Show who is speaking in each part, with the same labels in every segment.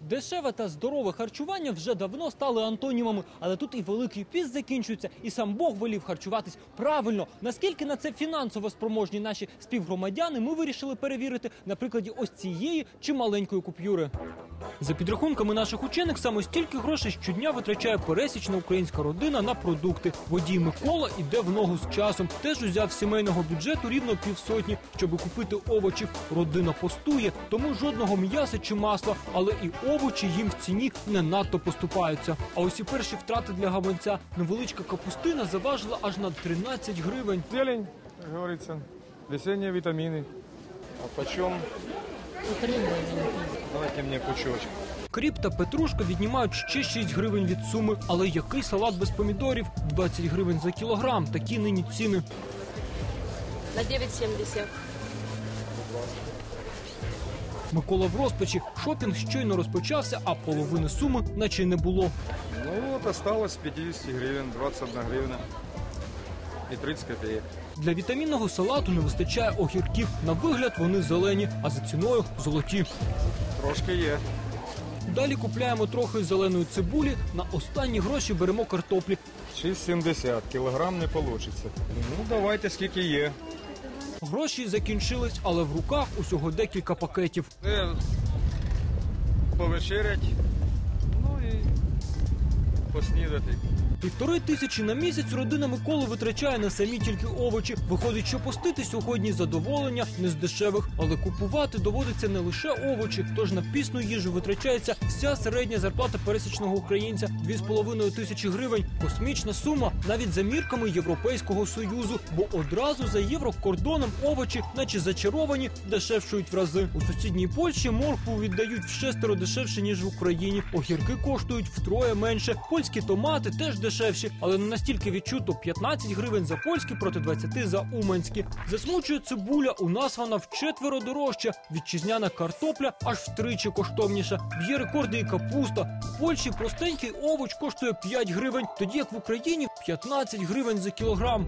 Speaker 1: Дешеве та здорове харчування вже давно стали антонімами, але тут і Великий піст закінчується, і сам Бог велів харчуватись правильно. Наскільки на це фінансово спроможні наші співгромадяни, ми вирішили перевірити на прикладі ось цієї чималенької купюри. За підрахунками наших учених, саме стільки грошей щодня витрачає пересічна українська родина на продукти. Водій Микола іде в ногу з часом. Теж узяв з сімейного бюджету рівно 500, щоб купити овочів. Родина постує, тому жодного м'яса чи масла, але і овочі їм в ціні не надто поступаються. А ось і перші втрати для гаманця. Невеличка капустина заважила аж на 13 гривень.
Speaker 2: Зелень, как говорится, весенние витамины. А почем? Давайте мне пучочек.
Speaker 1: Кріп та петрушка віднімають ще 6 гривень від суми. Але який салат без помідорів? 20 гривень за кілограм. Такі нині ціни.
Speaker 3: На 9,70.
Speaker 1: Микола в розпачі. Шопінг щойно розпочався, а половини суми наче й не було.
Speaker 2: Ну вот осталось 50 гривен, 21 гривна и 30 копеек.
Speaker 1: Для вітамінного салату не вистачає огірків. На вигляд вони зелені, а за ціною золоті.
Speaker 2: Трошки є.
Speaker 1: Далі купляємо трохи зеленої цибулі, на останні гроші беремо картоплі.
Speaker 2: 6,70, кілограм не получится. Ну давайте скільки є.
Speaker 1: Гроші закінчились, але в руках усього декілька пакетів.
Speaker 2: Повечерять, ну і поснідати.
Speaker 1: 1500 на місяць родина Миколи витрачає на самі тільки овочі. Виходить, що постити сьогодні задоволення не з дешевих, але купувати доводиться не лише овочі, тож на пісну їжу витрачається вся середня зарплата пересічного українця – 2500 гривень. Космічна сума навіть за мірками Європейського Союзу, бо одразу за єврокордоном овочі, наче зачаровані, дешевшують в рази. У сусідній Польщі моркву віддають вшестеро дешевше, ніж в Україні. Огірки коштують втроє менше. Польські томати теж дешевші, але не настільки відчуто. 15 гривень за польські проти 20 за уманські. Засмучує цибуля, у нас вона вчетверо дорожча. Вітчизняна картопля аж втричі коштовніша. Б'є рекорди і капуста. В Польщі простенький овоч коштує 5 гривень, тоді як в Україні 15 гривень за кілограм.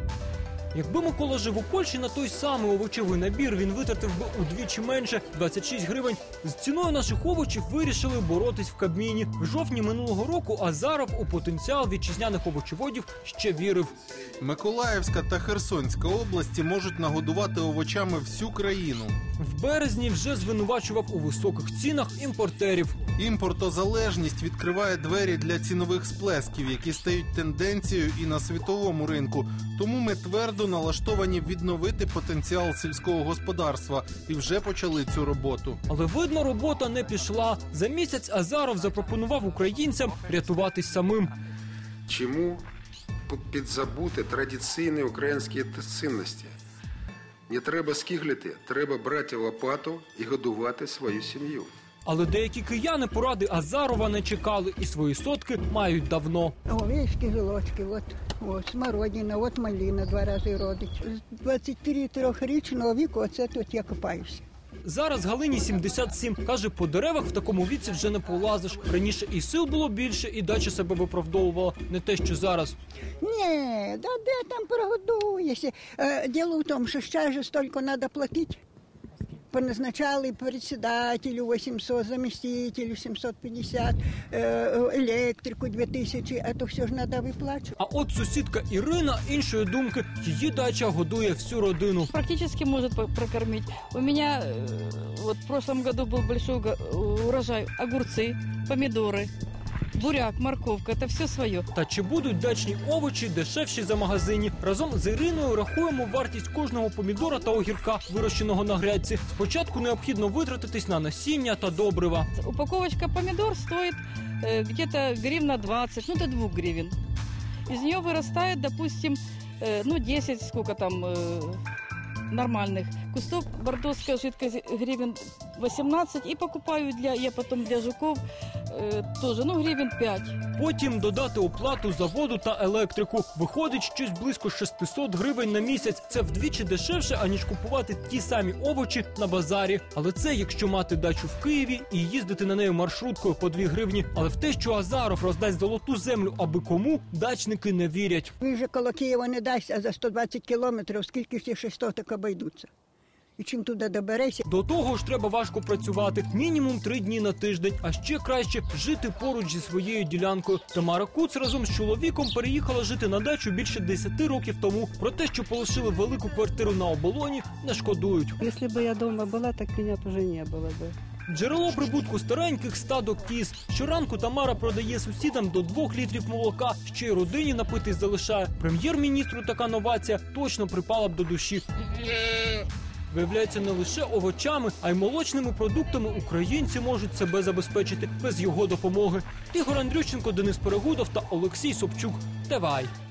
Speaker 1: Якби Микола жив у Польщі, на той самий овочевий набір він витратив би удвічі менше – 26 гривень. З ціною наших овочів вирішили боротись в Кабміні. В жовтні минулого року Азаров у потенціал вітчизняних овочеводів ще вірив.
Speaker 4: Миколаївська та Херсонська області можуть нагодувати овочами всю країну.
Speaker 1: В березні вже звинувачував у високих цінах імпортерів.
Speaker 4: Імпортозалежність відкриває двері для цінових сплесків, які стають тенденцією і на світовому ринку. Тому ми твердо налаштовані відновити потенціал сільського господарства і вже почали цю роботу.
Speaker 1: Але, видно, робота не пішла. За місяць Азаров запропонував українцям рятуватись самим.
Speaker 5: Чому підзабути традиційні українські цінності? Не треба скиглити, треба брати лопату і годувати свою сім'ю.
Speaker 1: Але деякі кияни поради Азарова не чекали і свої сотки мають давно.
Speaker 6: Овечки, гілочки, от смородина, от малина 2 рази родить. З 23-річного віку оце тут я копаюся.
Speaker 1: Зараз Галині 77. Каже, по деревах в такому віці вже не полазиш. Раніше і сил було більше, і дача себе виправдовувала. Не те, що зараз.
Speaker 6: Ні, да де там прогодуєшся. Діло в тому, що ще ж стільки треба платити. Поназначали председателю 800, заместителю 750, електрику 2000, а то все ж треба виплачувати.
Speaker 1: А от сусідка Ірина іншої думки. Її дача годує всю родину.
Speaker 3: Практически может прокормить. У меня вот в прошлом году был большой урожай. Огурцы, помидоры, буряк, морковка – это все свое.
Speaker 1: Та чи будуть дачні овочі дешевші за магазині? Разом з Іриною рахуємо вартість кожного помідора та огірка, вирощеного на грядці. Спочатку необхідно витратитись на насіння та добрива.
Speaker 3: Упаковочка помидор стоит где-то гривна 20, ну до 2 гривен. Из нее вырастает, допустим, 10, сколько там нормальных кустов. Бордоская жидкость гривен 18 и покупаю я потом для жуков тоже, гривен 5.
Speaker 1: Потім додати оплату за воду та електрику. Виходить щось близько 600 гривень на місяць. Це вдвічі дешевше, аніж купувати ті самі овочі на базарі. Але це якщо мати дачу в Києві і їздити на неї маршруткою по 2 гривні. Але в те, що Азаров роздасть золоту землю аби кому, дачники не вірять.
Speaker 6: Він же коло Києва не дасть, а за 120 кілометрів скільки ж ці 600 обійдуться. І чим туди доберешся.
Speaker 1: До того ж треба важко працювати, мінімум 3 дні на тиждень, а ще краще жити поруч зі своєю ділянкою. Тамара Куц разом з чоловіком переїхала жити на дачу більше 10 років тому. Про те, що полишили велику квартиру на оболоні, не шкодують.
Speaker 7: Если бы я дома была, так меня бы уже не было бы.
Speaker 1: Джерело прибутку стареньких стадок кіз. Щоранку Тамара продає сусідам до 2 літрів молока, ще й родині напитись залишає. Прем'єр-міністру така новація точно припала б до душі. Виявляється, не лише овочами, а й молочними продуктами українці можуть себе забезпечити без його допомоги. Ігор Андрющенко, Денис Перегудов та Олексій Собчук. ТВАЙ.